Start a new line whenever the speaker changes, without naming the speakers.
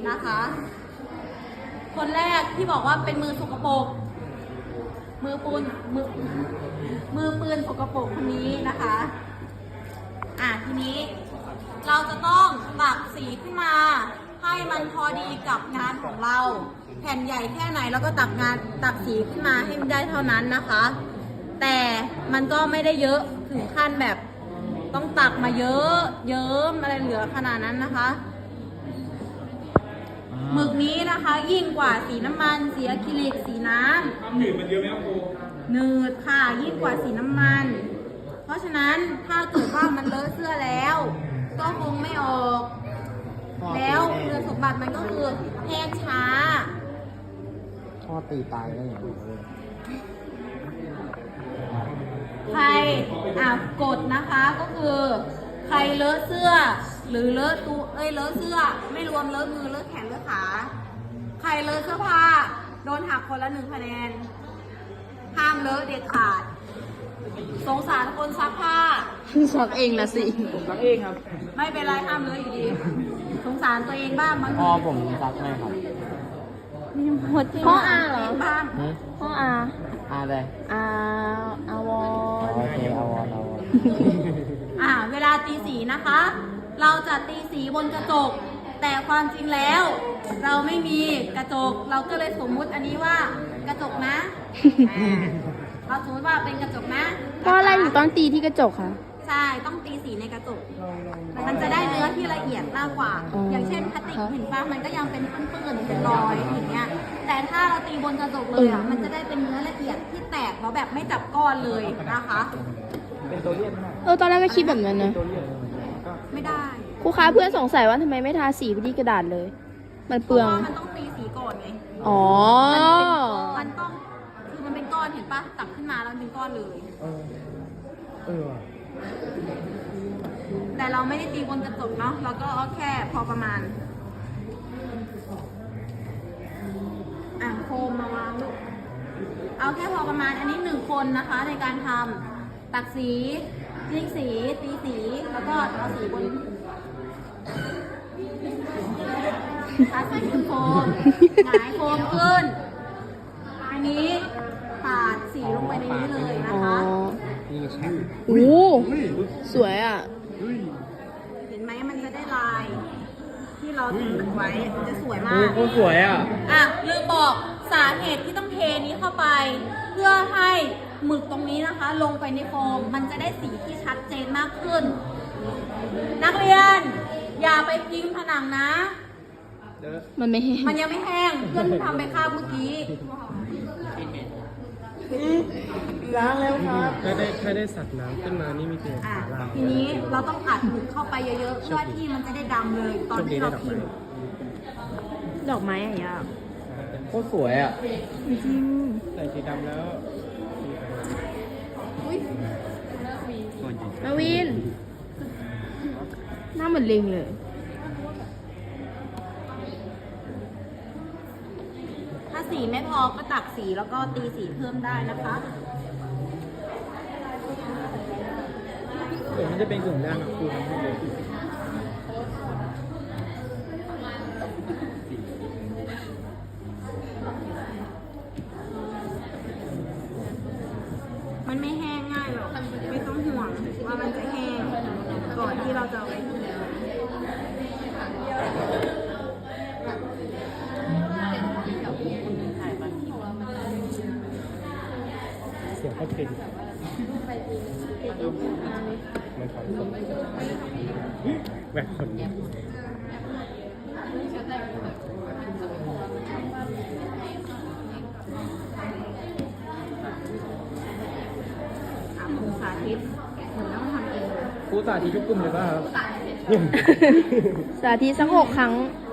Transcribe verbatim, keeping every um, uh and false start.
นะคะ คนแรกที่บอกว่าเป็นมือสกปรกมือปูนมือมือปืนสกปรกคนนี้นะคะอ่ะทีนี้เราจะต้องตักสีขึ้นมาให้มันพอดีกับงานของเราแผ่นใหญ่แค่ไหนเราก็ตักงานตักสีขึ้นมาให้มันได้เท่านั้นนะคะ แต่มันก็ไม่ได้เยอะถึงขั้นแบบต้องตักมาเยอะเยิ้มอะไรเหลือขนาดนั้นนะคะหมึกนี้นะคะยิ่งกว่าสีน้ำมันสีอะคริลิกสีน้ำความหนืดมันเยอะไหมครับครูหนืดค่ะยิ่งกว่าสีน้ำมันเพราะฉะนั้นถ้าเกิดว่ามันเลอะเสื้อแล้วก็คงไม่ออกแล้วคุณสมบัติมันก็คือแห้งช้า
พ่อตีตายได้อย่างไรเลย
ใครอ่ะกดนะคะก็คือใครเลอะเสื้อหรือเลอะตัวเอ้ยเลอะเสื้อไม่รวมเลอะมือเลอะแขนเลอะขาใครเลอะเสื้อผ้าโดนหักคนละหนึ่งคะแนนห้ามเลอะเด็ดขาดสงสารคนซักผ้า
ซักเองละสิ
ผมซักเองครับ
ไม่เป็นไรห้ามเลอะอยู่ดีสงสารตัวเองบ้างบางที
พ่อผมซักให้ครับ
พ่ออาเหรอ
บ้าง
พ่ออา
อาเลย
อาอาวอ
โอเคอาวอนอาวอน
อ่าเวลาตีสีนะคะ เราจะตีสีบนกระจกแต่ความจริงแล้ว เราไม่มีกระจกเราก็เลยสมมุติอันนี้ว่ากระจกนะเราสมมติว่าเป็นกระจกนะ
เพราะอะไรถึงต้องตีที่กระจกคะ
ใช่ต้องตีสีในกระจกมันจะได้เนื้อที่ละเอียดมากกว่า อย่างเช่นพลาสติกเห็นป่ะมันก็ยังเป็นปื้นๆเป็นรอยอย่างเงี้ยแต่ถ้าเราตีบนกระจกเลยอ่ะมันจะได้เป็นเนื้อละเอียดที่แตกแล้วแบบไม่จับก้อนเลยนะคะ
เป็นตัวเลียน
เออตอนแรกก็คิดแบบนั้นนะ
ไม่ได้
ครูคะเพื่อนสงสัยว่าทำไมไม่ทาสีไปที่กระดาษเลย มันเปลือง
มันต้องตีสีก่อนไง
อ๋อ
มันต้องคือมันเป็นก้อนเห็นป่ะตักขึ้นมาแล้วเป็นก้อนเลย
เออ
แต่เราไม่ได้ตีบนกระจกเนาะเราก็เอาแค่พอประมาณอ่ะโคมมาวางลูกเอาแค่พอประมาณอันนี้หนึ่งคนนะคะในการทำตักสีจิ้งสีตีสีแล้วก็เอาสีบนทาสีบนโคมหงายโคมขึ้นอันนี้ปาดสีลงไปในนี้เลยนะคะ
โอ้สวยอ่ะ
เห็นไหมมันจะได้ลายที่เราทำไว้มันจะสวยมาก
โอ้สวยอ่ะ
อ่ะลืมบอกสาเหตุที่ต้องเทนี้เข้าไปเพื่อให้หมึกตรงนี้นะคะลงไปในโฟมมันจะได้สีที่ชัดเจนมากขึ้นนักเรียนอย่าไปพิมพ์ผนังนะ
มันไม่แห้ง
มันยังไม่แห้งเพื่อนทำไปคาบเมื่อกี้
ล้างแล้วครับถ้าได้ถ้าได้สัตว์น้ำขึ้นมานี่มีเกณฑ์
ล้างทีนี้เราต้องอัดหมึกเข้าไปเยอะๆเพื่อที่มันจะได้ดำเลยตอนที่เราพิมพ์
ดอกไม้อะไรอ่ะ
โคตรสวยอ่ะ
จริง
ใส่สีดำแล้ว
มาวินหน้าเหมือนลิงเลย
ถ้าสีไม่พอก็ตักสีแล้วก็ตีสีเพิ่มได้นะคะ
เดี๋ยวมันจะเป็นกลุ่มแรกนะครูทำให้เลย
มันไม่แห้งง่ายหรอกไม่ต้องห่วงว่ามันจะแห้งก่อนที่เราจะเอาไป
เสียงเขาเป็นไม่ขอคนแบบคน
สาธิตเหมือนต้องทำเอง
ครูสาธิตทุกกลุ่มเลยป่ะครับ
สาธิตสักหกครั้ง